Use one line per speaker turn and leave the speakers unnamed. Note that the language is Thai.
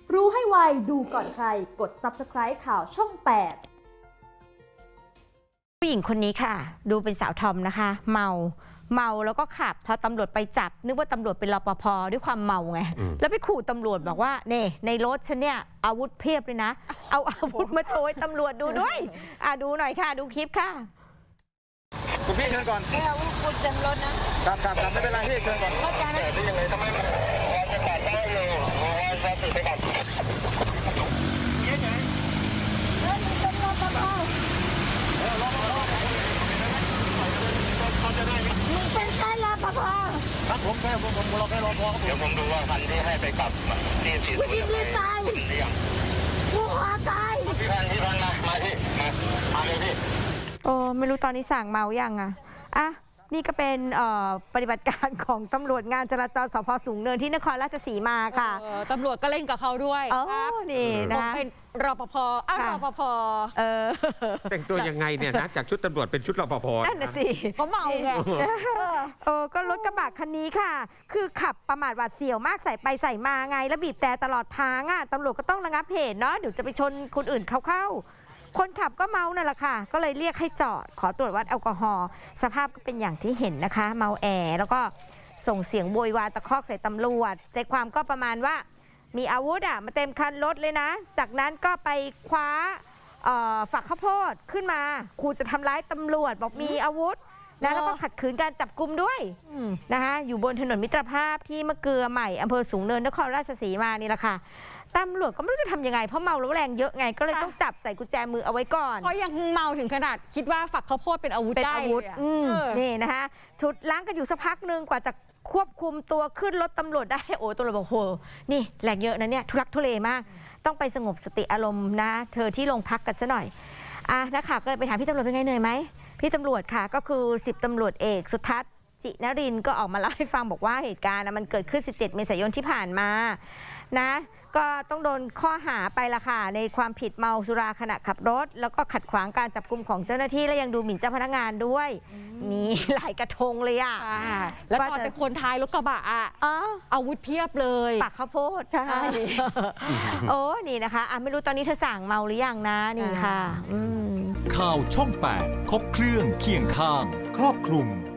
รู้ให้ไวดูก่อนใครกด Subscribe ข่าวช่อง 8
ผู้หญิงคนนี้ค่ะดูเป็นสาวทอมนะคะเมาแล้วก็ขับพอตำรวจไปจับนึกว่าตำรวจเป็นรปภด้วยความเมาไงแล้วไปขู่ตำรวจบอกว่าเน่ในรถฉันเนี่ยอาวุธเพียบเลยนะเอาอาวุธมาโชว์ให้ตำรวจดูด้วยดูหน่อยค่ะดูคลิปค่ะ
คุณพี่เชิญก่อน
ไม่เอาคุณเต็มรถนะครับ
ไม่เป็นไรพี่เชิญก่อน
เข้าใจไหม
ได้ยังไงทำไมมันจะตัดได้เลยจะติดไปก่อน
มึงเป็นรปภมึงเป็นแค่รปภ
ครับผมเราแค่รอพอเดี๋ยวผมดูว่าคันที่ให้ไปกลับที่ฉีด
กูยิงดีตายกูขอตาย
พี่พันมาพี่มาเลยพี่
โอ้ไม่รู้ตอนนี้สั่งเมายังอ่ะนี่ก็เป็นปฏิบัติการของตำรวจงานจราจรสพสูงเนินที่นครราชสีมาค่ะ
ตำรวจก็เล่นกับเขาด้วย
ครับนี่นะ
เป็นรปภรปภ
แต่งตัวยังไงเนี่ยนะจากชุดตำรวจเป็นชุดรปภ
นั่นน่ะสิ
เขาเมาไง
ก็รถกระบะคันนี้ค่ะคือขับประมาทหวาดเสียวมากใส่ไปใส่มาไงแล้วบีบแต่ตลอดทางตำรวจก็ต้องระงับเหตุเนาะเดี๋ยวจะไปชนคนอื่นเข้าคนขับก็เมานั่นแหละค่ะก็เลยเรียกให้จอดขอตรวจวัดแอลกอฮอล์สภาพก็เป็นอย่างที่เห็นนะคะเมาแอแล้วก็ส่งเสียงโวยวายตะคอกใส่ตำรวจใจความก็ประมาณว่ามีอาวุธมาเต็มคันรถเลยนะจากนั้นก็ไปคว้าฝักข้าวโพดขึ้นมาขู่จะทำร้ายตำรวจบอกมีอาวุธนะแล้วก็ขัดขืนการจับกุมด้วยนะคะอยู่บนถนนมิตรภาพที่มะเกลือใหม่อำเภอสูงเนินนครราชสีมานี่แหละค่ะตำรวจก็ไม่รู้จะทำยังไงเพราะเมาแล้วแรงเยอะไงก็เลยต้องจับใส่กุญแจมือเอาไว้ก่อน
เพราะยังเมาถึงขนาดคิดว่าฝักข้าวโพดเป็นอาวุธได้
นี่นะคะชุดล้างกันอยู่สักพักหนึ่งกว่าจะควบคุมตัวขึ้นรถตำรวจได้โอ้ตำรวจบอกโหนี่แรงเยอะนะเนี่ยทุลักทุเลมากต้องไปสงบสติอารมณ์นะเธอที่โรงพักกันซะหน่อยนักข่าวก็เลยไปถามพี่ตำรวจเป็นไงเหนื่อยไหมพี่ตำรวจค่ะก็คือ10ตำรวจเอกสุทัศน์จินรินทร์ก็ออกมาเล่าให้ฟังบอกว่าเหตุการณ์มันเกิดขึ้น17 เมษายนที่ผ่านมานะก็ต้องโดนข้อหาไปละค่ะในความผิดเมาสุราขณะขับรถแล้วก็ขัดขวางการจับกุมของเจ้าหน้าที่และยังดูหมิ่นเจ้าพนักงานด้วยมีหลายกระทงเลย
แล้วตอนเป็นคนท้ายรถกระบะอาวุธเพียบเลย
ปักข้าวโพดใช่โอ้นี่นะคะไม่รู้ตอนนี้เธอสั่งเมาหรือยังนะนี่ค่ะ
ข่าวช่อง 8 ครบเครื่องเคียงข้างครอบคลุม